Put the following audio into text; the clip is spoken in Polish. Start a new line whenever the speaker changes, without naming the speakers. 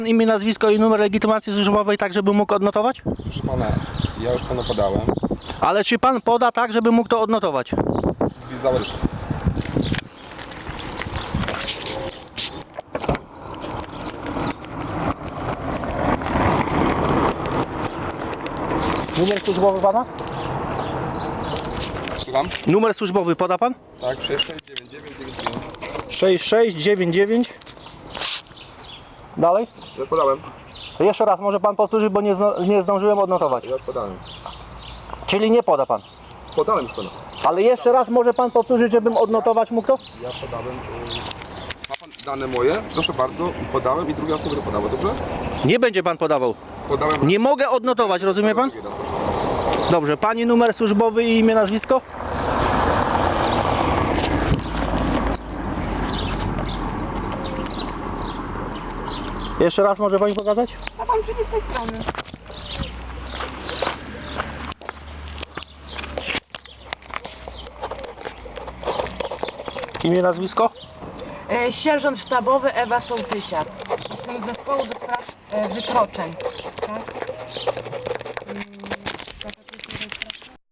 Imię, nazwisko i numer legitymacji służbowej, tak żeby mógł odnotować?
Proszę pana, ja już panu podałem.
Ale czy pan poda tak, żeby mógł to odnotować?
Gwizdała już.
Numer służbowy pana?
Słucham?
Numer służbowy poda pan?
Tak, 669999.
6699. Dalej?
Ja podałem.
To jeszcze raz może pan powtórzyć, bo nie zdążyłem odnotować.
Ja podałem.
Czyli nie poda pan.
Podałem już pana.
Ale jeszcze raz może pan powtórzyć, żebym odnotować mógł to?
Ja podałem. Ma pan dane moje? Proszę bardzo, podałem i druga osoba to podała, dobrze?
Nie będzie pan podawał.
Podałem.
Nie mogę odnotować, rozumie pan? Dobrze, pani numer służbowy i imię, nazwisko? Jeszcze raz może pani pokazać?
A pan przyjdzie z tej strony.
Imię, nazwisko?
Sierżant sztabowy Ewa Sołtysiak. Jestem z zespołu do spraw wykroczeń. Tak?